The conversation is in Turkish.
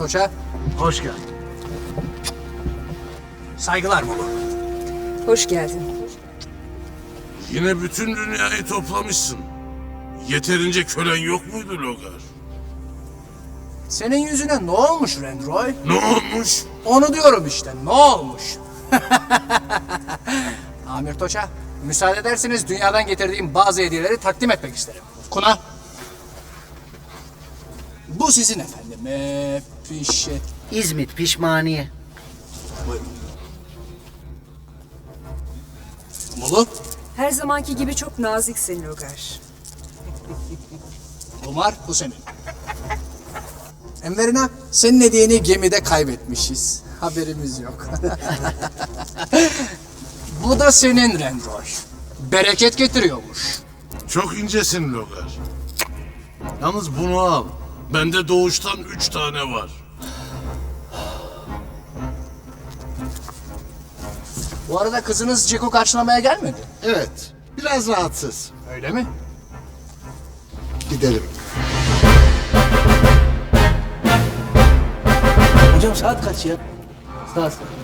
Toça. Hoş geldin. Saygılar Mulu. Hoş geldin. Yine bütün dünyayı toplamışsın. Yeterince kölen yok muydu Logar? Senin yüzüne ne olmuş Rendroy? Ne olmuş? Onu diyorum işte, ne olmuş? Amir Toça, müsaade ederseniz dünyadan getirdiğim bazı hediyeleri takdim etmek isterim. Kuna. Bu sizin efendim. İzmit pişmaniye. Buyurun. Mulu. Her zamanki gibi çok naziksin Logar. Umar, bu senin. Enverina, senin hediyeni gemide kaybetmişiz. Haberimiz yok. Bu da senin Rendroy. Bereket getiriyormuş. Çok incesin Logar. Yalnız bunu al. Bende doğuştan 3 tane var. Bu arada kızınız Ceko karşılamaya gelmedi. Evet. Biraz rahatsız. Öyle mi? Gidelim. Hocam saat kaç ya? Saat.